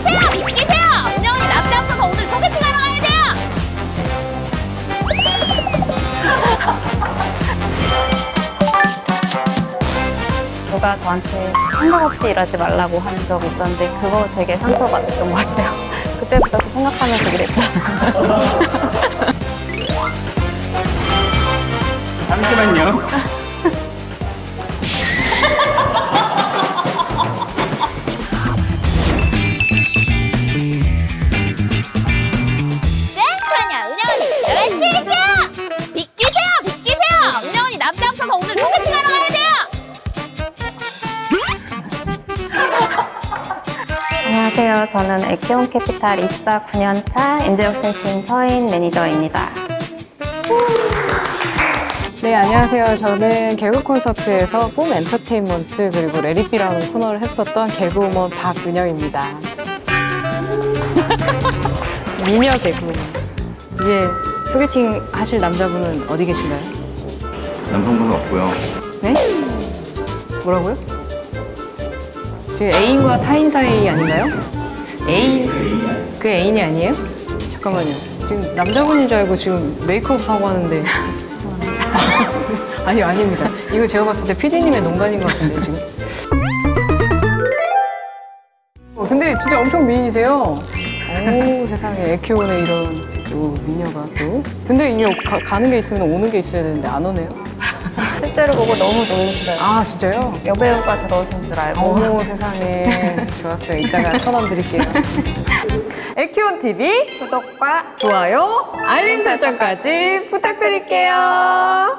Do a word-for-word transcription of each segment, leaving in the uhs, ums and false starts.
비키세요! 비키세요! 은영이 남자 없어서 오늘 소개팅하러 가야 돼요! 누가 저한테 생각 없이 일하지 말라고 한 적이 있었는데 그거 되게 상처받았던 것 같아요. 그때부터 생각하면서 일했어요. 잠시만요. 땡쇼냐 은영이 들어갈 수 있게요! 비키세요! 비키세요! 은영이 남자 없어서 오늘 소개팅하러 가야 돼요! 안녕하세요. 저는 에키온 캐피탈 입사 구 년 차 인재혁신팀 서인 매니저입니다. 네, 안녕하세요. 저는 개그 콘서트에서 뽐 엔터테인먼트 그리고 레리비라는 코너를 했었던 개그우먼 박은영입니다. 미녀 개그우먼. 이제 소개팅 하실 남자분은 어디 계신가요? 남성분은 없고요. 네? 뭐라고요? 지금 애인과 타인 사이 아닌가요? 애인? 그 애인이 아니에요? 잠깐만요. 지금 남자분인 줄 알고 지금 메이크업 하고 하는데. 아니, 아닙니다. 이거 제가 봤을 때 피디님의 농간인 것 같은데, 지금. 어, 근데 진짜 엄청 미인이세요. 오, 세상에. 에키온에 이런 또 미녀가 또. 근데 이제 가, 가는 게 있으면 오는 게 있어야 되는데 안 오네요. 실제로 보고 너무 놀랐어요. 아, 진짜요? 여배우가 들어오신 줄 알고. 어머, 세상에. 좋았어요. 이따가 천 원 드릴게요. 에키온 티비 구독과 좋아요, 알림 설정까지 부탁드릴게요.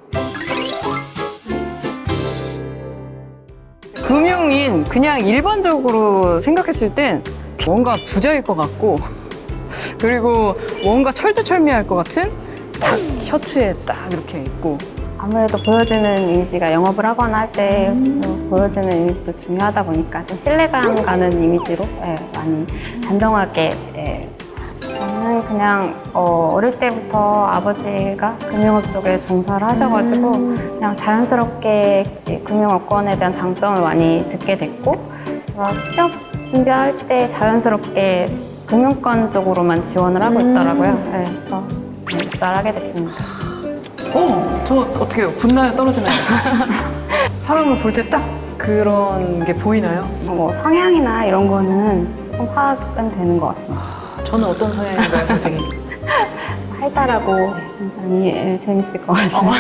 금융인 그냥 일반적으로 생각했을 땐 뭔가 부자일 것 같고 그리고 뭔가 철두철미할 것 같은 딱 셔츠에 딱 이렇게 입고 아무래도 보여지는 이미지가 영업을 하거나 할 때 보여지는 이미지도 중요하다 보니까 좀 신뢰감 가는 이미지로 예, 많이 단정하게 예. 저는 그냥 어, 어릴 때부터 아버지가 금융업 쪽에 종사를 하셔가지고 그냥 자연스럽게 이 금융업권에 대한 장점을 많이 듣게 됐고 제가 취업 준비할 때 자연스럽게 금융권 쪽으로만 지원을 하고 있더라고요. 예, 그래서 입사를 하게 됐습니다. 어, 저 어떻게 해요? 붙나요? 떨어지나요? 사람을 볼 때 딱 그런 게 보이나요? 뭐 성향이나 이런 거는 조금 파악은 되는 것 같습니다. 저는 어떤 성향인가요, 선생님? 활달하고 굉장히 예, 재밌을 것 같아요.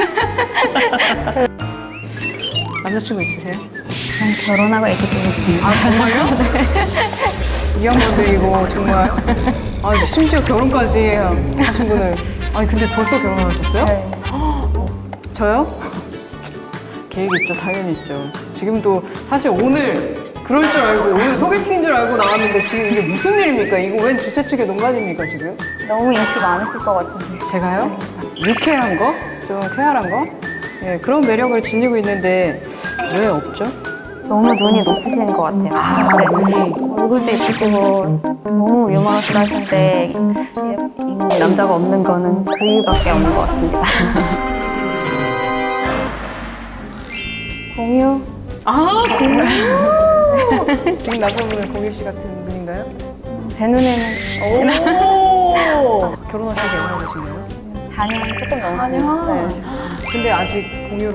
남자친구 있으세요? 전 결혼하고 애기 두고 있습니다. 아, 정말요? 이 양반들이고 정말 아 심지어 결혼까지 하신 분을 아니 근데 벌써 결혼하셨어요? 네. 저요? 계획 있죠, 당연히 있죠. 지금도 사실 오늘 그럴 줄 알고 오늘 소개팅인 줄 알고 나왔는데 지금 이게 무슨 일입니까? 이거 웬 주최 측의 농간입니까 지금? 너무 인기 많으실 것 같은데. 제가요? 유쾌한 거? 좀 쾌활한 거? 예, 그런 매력을 지니고 있는데 왜 없죠? 너무 눈이 높으신 것 같아요. 아, 네. 눈이. 얼굴도 예쁘시고 너무 유머러스하신데 이 남자가 없는 거는 그 이유밖에 없는 것 같습니다. 공유? 아, 공유! 지금 남자분은 공유 씨 같은 분인가요? 제 눈에는 오! 결혼하신 지 얼마나 되신가요? 사 년 조금 넘었어요. 네. 근데 아직 공유로.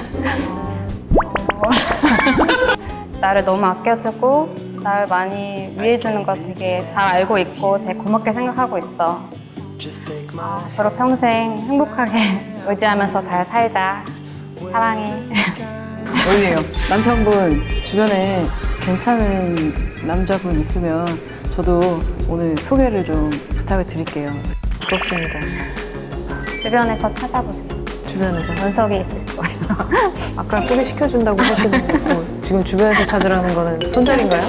나를 너무 아껴주고 나를 많이 위해주는 거 되게 잘 알고 있고 되게 고맙게 생각하고 있어. 앞으로 평생 행복하게 의지하면서 잘 살자. 사랑해. 원래요. 남편분 주변에 괜찮은 남자분 있으면 저도 오늘 소개를 좀 부탁을 드릴게요. 부럽습니다. 주변에서 찾아보세요. 주변에서. 원석이 있을 거예요. 아까 소개시켜준다고 하시는 거 지금 주변에서 찾으라는 거는 손절인가요?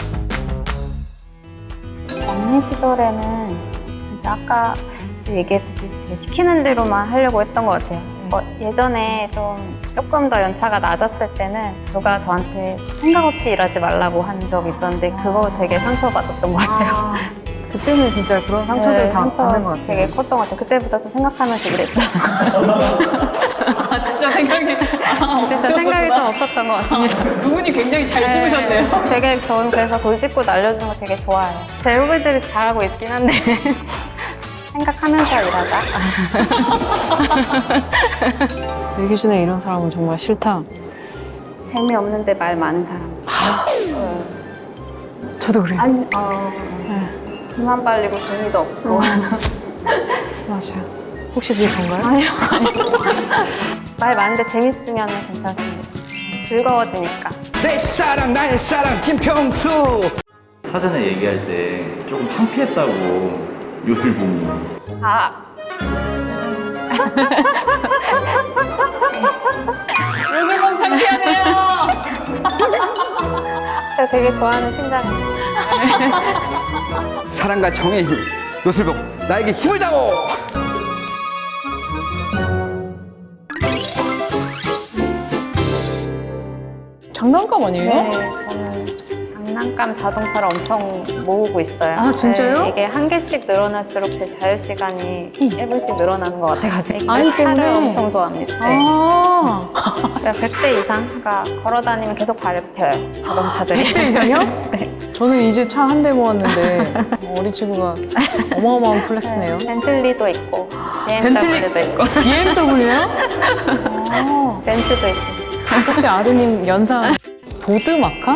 없는 시절에는 진짜 아까 얘기했듯이 되게 시키는 대로만 하려고 했던 것 같아요. 어, 예전에 좀 조금 더 연차가 낮았을 때는 누가 저한테 생각 없이 일하지 말라고 한 적이 있었는데 그거 되게 상처받았던 것 같아요. 아, 그때는 진짜 그런 상처들 네, 다 상처 받는 것 같아요. 되게 컸던 것 같아요. 그때부터 좀 생각하면서 일했죠. 아, 진짜 생각이. 아, 진짜 생각이 좀 없었던 것 같습니다. 그분이 굉장히 잘 찍으셨네요. 네, 되게 저는 그래서 돌직구 날려주는 거 되게 좋아해요. 제 후배들이 잘하고 있긴 한데 생각하면서 일하자. 예기준에 이런 사람은 정말 싫다. 재미없는데 말 많은 사람. 저도 그래요. 아니, 어, 기만 빨리고 재미도 없고. 맞아요. 혹시 그게 전가요? 아니요, 아니요. 말 많은데 재밌으면 괜찮습니다. 즐거워지니까. 내 사랑 나의 사랑 김평수. 사전에 얘기할 때 조금 창피했다고 요술봉이. 아. 요술봉 창피하네요. 제가 되게 좋아하는 팀장님. 사랑과 정의 힘. 요술봉 나에게 힘을 다오. 장난감 아니에요? 네, 저는 장난감 자동차를 엄청 모으고 있어요. 아, 진짜요? 네, 이게 한 개씩 늘어날수록 제 자유 시간이 일 분씩 늘어나는 것 같아가지고. 아이 때문에? 차를 엄청 좋아합니다. 네. 아, 제가 백 대 이상, 그러니까 걸어 다니면 계속 밟혀요. 자동차들이. 백 대 이상이요? 네. 저는 이제 차 한 대 모았는데 어린 친구가 어마어마한 플렉스네요. 네, 벤틀리도 있고, 비엠더블유도 있고, 비엠더블유요? 아, 벤츠도 있고. 혹시 아드님 연상 보드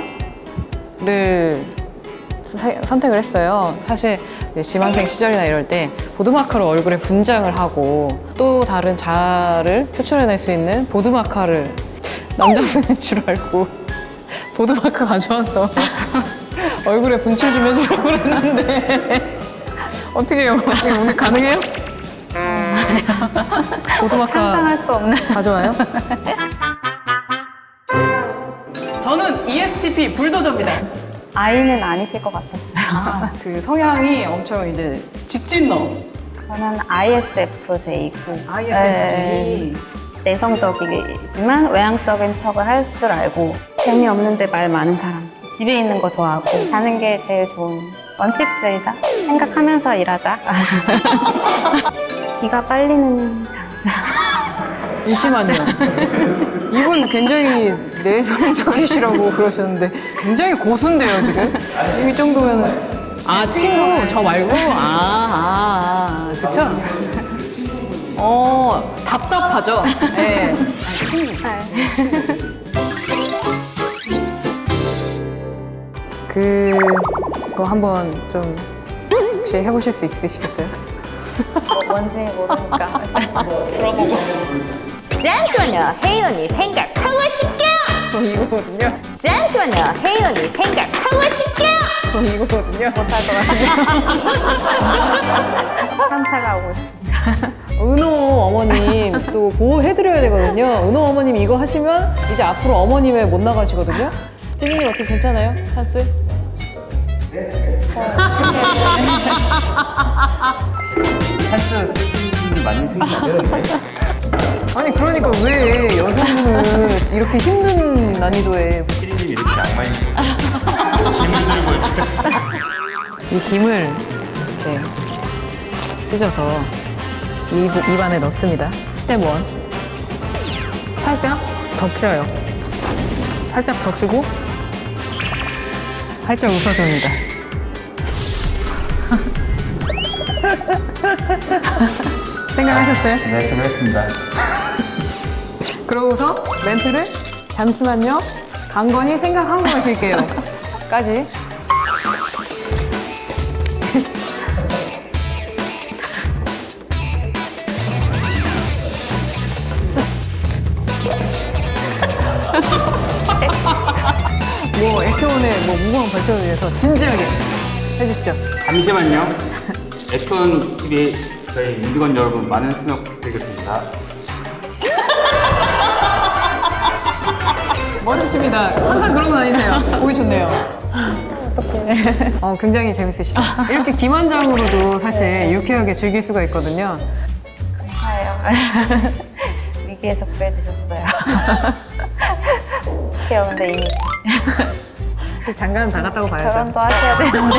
마카를 사- 선택을 했어요. 사실 이제 지망생 시절이나 이럴 때 보드 마카로 얼굴에 분장을 하고 또 다른 자아를 표출해낼 수 있는 보드 마카를 남자분인 줄 알고 보드 마카 가져와서 얼굴에 분칠 좀 해주려고 그랬는데 어떻게 해요? 어떻게 오늘 가능해요? 보드 마카 상상할 수 없는. 가져와요? 저는 이에스티피 불도저입니다. 아이는 아니실 것 같았어요. 그 성향이 엄청 이제 직진러. 저는 아이에스에프제이고. 아이에스에프제이. 내성적이지만 외향적인 척을 할 줄 알고 재미없는데 말 많은 사람. 집에 있는 거 좋아하고 자는 게 제일 좋은 원칙주의자. 생각하면서 일하자. 기가 빨리는 장자. 잠시만요. 이분 굉장히 내성적이시라고 그러셨는데 굉장히 고수인데요, 지금? 이 정도면은. 아, 친구? 저 말고? 아, 아, 아. 그쵸? 어, 답답하죠? 네. 아, 친구. 그거 한번 좀 혹시 해보실 수 있으시겠어요? 뭐 뭔지 모르니까. 들어보고. 잠시만요, 혜인 언니 생각하고 싶게요. 어, 이거거든요. 잠시만요, 혜인 언니 생각하고 싶게요. 어, 이거거든요. 못할 것 같습니다. 현타가 오고 있습니다. 은호 어머님 또 보호해드려야 되거든요. 은호 어머님 이거 하시면 이제 앞으로 어머님에 못 나가시거든요. 피디님 어떻게 괜찮아요? 찬스? 찬스 쓰시는 많이 생기는데. 아니 그러니까 왜 여성분을 이렇게 힘든 난이도에 피디님 이렇게 악마인 짐을 들고 있죠. 이 짐을 이렇게 찢어서 입, 입 안에 넣습니다. 스텝 원. 살짝 덮쳐요. 살짝 적시고 살짝 웃어줍니다. 생각하셨어요? 네, 좀 했습니다. 그러고서 멘트를 잠시만요. 강건히 생각하고 가실게요. 까지. 뭐 에케온의 뭐 무궁한 발전을 위해서 진지하게 해주시죠. 잠시만요. 에톤 티비 저희 민직원 여러분 많은 참여 부탁드리겠습니다. 멋지십니다. 항상 그러고 다니세요. 보기 좋네요. 어, 굉장히 재밌으시죠? 이렇게 김원장으로도 사실 유쾌하게 즐길 수가 있거든요. 감사해요. 위기에서 구해주셨어요. 귀여운데 이미 장가는 다 갔다고 봐야죠. 결혼도 하셔야 되는데.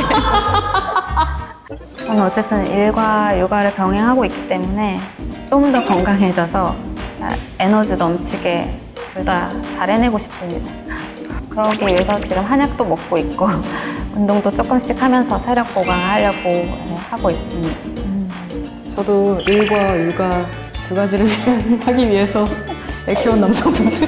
저는 어쨌든 일과 육아를 병행하고 있기 때문에 좀 더 건강해져서 자, 에너지 넘치게 둘 다 잘 해내고 싶습니다. 그러기 위해서 지금 한약도 먹고 있고 운동도 조금씩 하면서 체력 보강하려고 네, 하고 있습니다. 저도 일과 육아 두 가지를 하기 위해서 애 키운 남성분들.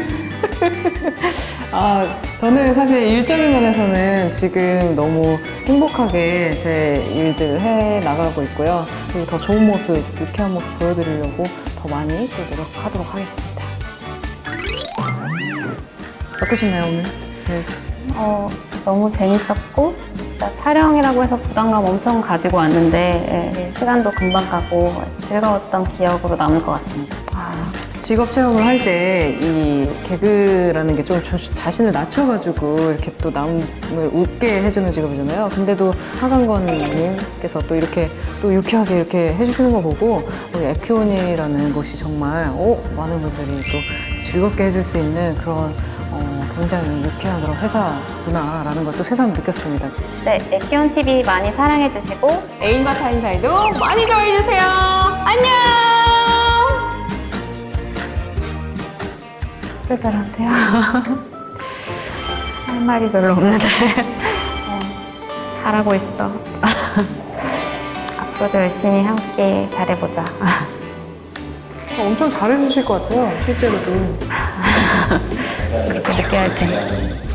아, 저는 사실 일적인 면에서는 지금 너무 행복하게 제 일들을 해 나가고 있고요. 그리고 더 좋은 모습, 유쾌한 모습 보여드리려고 더 많이 또 노력하도록 하겠습니다. 어떠셨나요, 오늘? 제 어, 너무 재밌었고 진짜 촬영이라고 해서 부담감 엄청 가지고 왔는데 예, 시간도 금방 가고 즐거웠던 기억으로 남을 것 같습니다. 직업 체험을 할 때 이 개그라는 게 좀 자신을 낮춰가지고 이렇게 또 남을 웃게 해주는 직업이잖아요. 근데도 하강건님께서 또 이렇게 또 유쾌하게 이렇게 해주시는 거 보고 우리 에큐온이라는 곳이 정말 어, 많은 분들이 또 즐겁게 해줄 수 있는 그런 어, 굉장히 유쾌한 그런 회사구나라는 걸 또 새삼 느꼈습니다. 네, 에키온티비 많이 사랑해주시고 애인과 타인 사이도 많이 좋아해주세요. 안녕! 그러더라고요. 할 말이 별로 없는데 어, 잘하고 있어. 앞으로도 열심히 함께 잘해보자. 엄청 잘해주실 것 같아요, 실제로도. 그렇게 느껴야 돼.